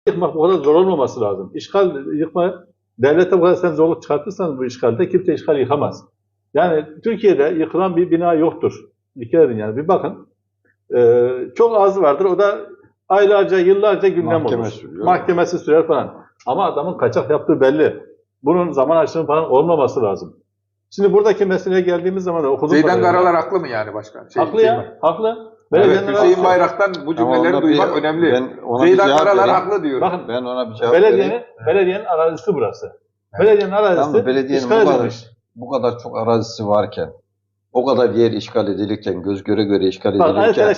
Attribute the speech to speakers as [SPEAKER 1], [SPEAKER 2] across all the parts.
[SPEAKER 1] yıkmak o kadar zor olmaması lazım. İşgal yıkma, devlete bu kadar sen zorluk çıkartırsan bu işgalde kimse işgal yıkamaz. Yani Türkiye'de yıkılan bir bina yoktur. Dikkat edin yani bir bakın. Çok az vardır. O da aylarca, yıllarca gündem olur. Mahkemesi sürer falan. Ama adamın kaçak yaptığı belli. Bunun zaman aşımı falan olmaması lazım. Şimdi buradaki meseleye geldiğimiz zaman da okudum.
[SPEAKER 2] Zeydan Karalar haklı mı yani başkan?
[SPEAKER 1] Haklı ya, haklı.
[SPEAKER 2] Evet, Hüseyin Bayrak'tan bu cümleleri duymak önemli. Zeydan Karalar haklı diyor.
[SPEAKER 1] Bakın,
[SPEAKER 3] ben ona bir cevap vereyim.
[SPEAKER 1] Belediyenin arazisi burası. Belediyenin arazisi
[SPEAKER 3] belediyenin bu kadar çok arazisi varken, o kadar yer işgal edilirken, göz göre göre işgal edilirken,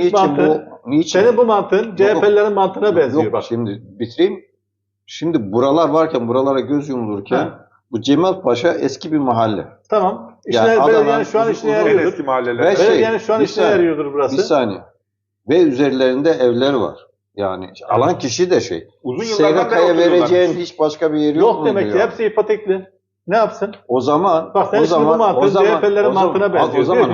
[SPEAKER 1] senin bu mantığın CHP'lerin mantığına benziyor.
[SPEAKER 3] Yok, bak. Şimdi bitireyim. Şimdi buralar varken, buralara göz yumulurken, bu Cemal Paşa eski bir mahalle.
[SPEAKER 1] Tamam. Belediyenin şu an işine yarıyordur.
[SPEAKER 2] Eski mahalleler.
[SPEAKER 1] Belediyenin şu an işine yarıyordur burası.
[SPEAKER 3] Bir saniye. Ve üzerlerinde evler var. Yani alan kişi de
[SPEAKER 2] uzun yıllardan
[SPEAKER 3] SGK'ya vereceğin hiç başka bir yeri
[SPEAKER 1] yok demek ki hepsi ipotekli. Ne yapsın?
[SPEAKER 3] O zaman
[SPEAKER 1] bak sen şimdi bu mantığın CHP'lerin mantığına benziyor.
[SPEAKER 3] O zaman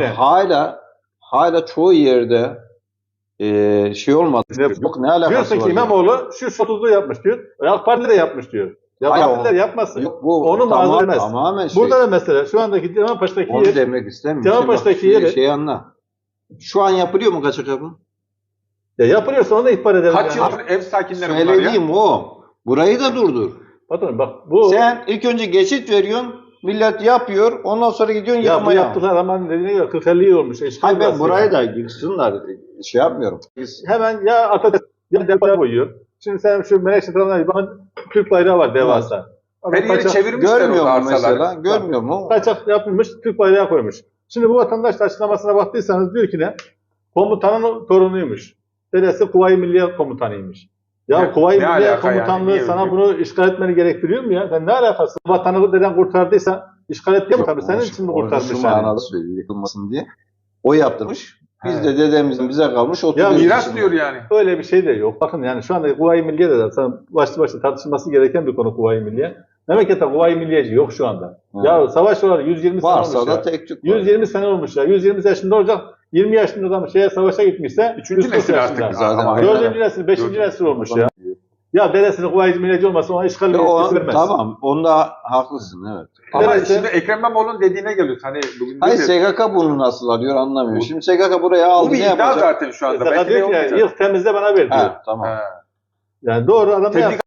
[SPEAKER 3] hala çoğu yerde olmadı. Yok, ne alakası
[SPEAKER 1] diyorsun ki İmamoğlu şu 30'lu yapmış diyor. AK Parti de yapmış diyor. Ya partiler yapmasın.
[SPEAKER 3] Yok,
[SPEAKER 1] onu mazur etmez.
[SPEAKER 3] Tamamen
[SPEAKER 1] burada da mesela şu andaki Cemalpaşa'daki yer.
[SPEAKER 3] Onu demek istemiyorum.
[SPEAKER 1] Cemalpaşa'daki yeri.
[SPEAKER 3] Anla. Şu an yapılıyor mu kaçak yapı?
[SPEAKER 1] Ya yapılıyorsa onu da ihbar edelim.
[SPEAKER 2] Kaç yıldır ev sakinleri bunlar ya?
[SPEAKER 3] Söylediğim o. Burayı da durdur.
[SPEAKER 1] Patron bak bu.
[SPEAKER 3] Sen ilk önce geçit veriyorsun. Millet yapıyor. Ondan sonra gidiyorsun yıkmaya.
[SPEAKER 1] Ya bu yaptıklar hemen dediğine göre 40-50 yıl olmuş.
[SPEAKER 3] Hayır ben burayı da yıksınlar. Yapmıyorum.
[SPEAKER 1] Hemen ya Atatürk ya depoya koyuyor. Şimdi sen şu Menekşe tarafından bir bakın Türk bayrağı var devasa.
[SPEAKER 2] Her yeri çevirmişler.
[SPEAKER 3] Görmüyor mu mesela? Görmüyor mu?
[SPEAKER 1] Kaçak yapılmış Türk bayrağı koymuş. Şimdi bu vatandaş açıklamasına baktıysanız diyor ki ne? Komutanın torunuymuş. Dedesi Kuvayi Milliye Komutanıymış. Ya Kuvayi Milliye Komutanlığı yani? Sana bunu işgal etmeni gerektiriyor mu ya? Sen ne alakası? Vatanı deden kurtardıysa işgal etti mi? Tabii senin için mi kurtarmış yani?
[SPEAKER 3] Manada söylüyor yıkılmasın diye. O yaptırmış. Biz de dedemizin bize kalmış 30
[SPEAKER 2] ya miras diyor yani.
[SPEAKER 1] Öyle bir şey de yok. Bakın yani şu anda Kuvayi Milliye de zaten başlı tartışılması gereken bir konu Kuvayi Milliye. Memlekette Kuvayi Milliyeci yok şu anda. Ya savaş olalı 120 sene olmuş
[SPEAKER 3] da
[SPEAKER 1] ya.
[SPEAKER 3] tek tük
[SPEAKER 1] 120 sene olmuş ya. 120 yaşında olacak. 20 yaşında adam savaşa gitmişse
[SPEAKER 2] 3. nesil artık.
[SPEAKER 1] 4. nesil, 5. nesil olmuş ya. Ya dedesinin Kuvayi Milliyeci olmasa ona işgal vermez.
[SPEAKER 3] Tamam. Onda haklısın evet.
[SPEAKER 2] Ama şimdi Ekrem İmamoğlu'nun dediğine geliyoruz. Hani bugün
[SPEAKER 3] hayır SGK bunu nasıl alıyor anlamıyorum. Şimdi SGK buraya aldı ne yapacak?
[SPEAKER 2] Bu bir iddia zaten şu anda.
[SPEAKER 1] SGK diyor ki ilk temizle bana ver diyor.
[SPEAKER 3] Tamam.
[SPEAKER 1] Yani doğru adam ne yapıyor?